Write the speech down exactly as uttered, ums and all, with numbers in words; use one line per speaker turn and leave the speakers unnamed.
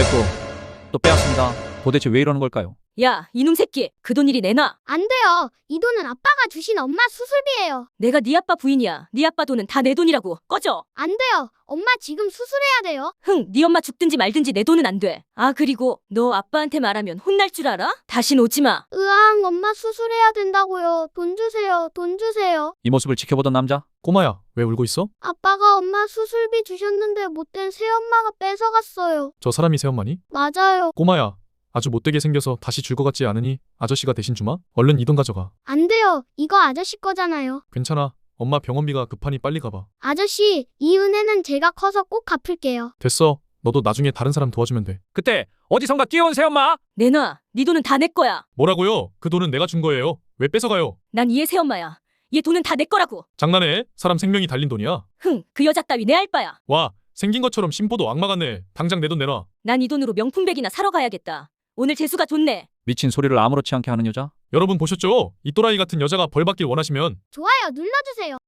됐고, 또 빼앗습니다. 도대체 왜 이러는 걸까요?
야, 이놈 새끼. 그 돈 이리 내놔.
안 돼요. 이 돈은 아빠가 주신 엄마 수술비예요.
내가 네 아빠 부인이야. 네 아빠 돈은 다 내 돈이라고. 꺼져.
안 돼요. 엄마 지금 수술해야 돼요.
흥, 네 엄마 죽든지 말든지 내 돈은 안 돼. 아, 그리고 너 아빠한테 말하면 혼날 줄 알아? 다신 오지 마.
으앙, 엄마 수술해야 된다고요. 돈 주세요. 돈 주세요.
이 모습을 지켜보던 남자.
꼬마야, 왜 울고 있어?
아빠가 엄마 수술비 주셨는데 못된 새엄마가 뺏어갔어요.
저 사람이 새엄마니?
맞아요.
꼬마야, 아주 못되게 생겨서 다시 줄 것 같지 않으니 아저씨가 대신 주마? 얼른 이 돈 가져가.
안 돼요. 이거 아저씨 거잖아요.
괜찮아. 엄마 병원비가 급하니 빨리 가봐.
아저씨, 이 은혜는 제가 커서 꼭 갚을게요.
됐어. 너도 나중에 다른 사람 도와주면 돼.
그때 어디선가 뛰어온 새엄마.
내놔. 네 돈은 다 내 거야.
뭐라고요? 그 돈은 내가 준 거예요. 왜 뺏어가요?
난 얘 새엄마야. 얘 돈은 다 내 거라고.
장난해? 사람 생명이 달린 돈이야.
흥, 그 여자 따위 내 알바야.
와, 생긴 것처럼 심보도 악마 같네. 당장 내 돈 내놔.
난 이 돈으로 명품백이나 사러 가야겠다. 오늘 재수가 좋네.
미친 소리를 아무렇지 않게 하는 여자.
여러분 보셨죠? 이 또라이 같은 여자가 벌 받길 원하시면
좋아요 눌러주세요.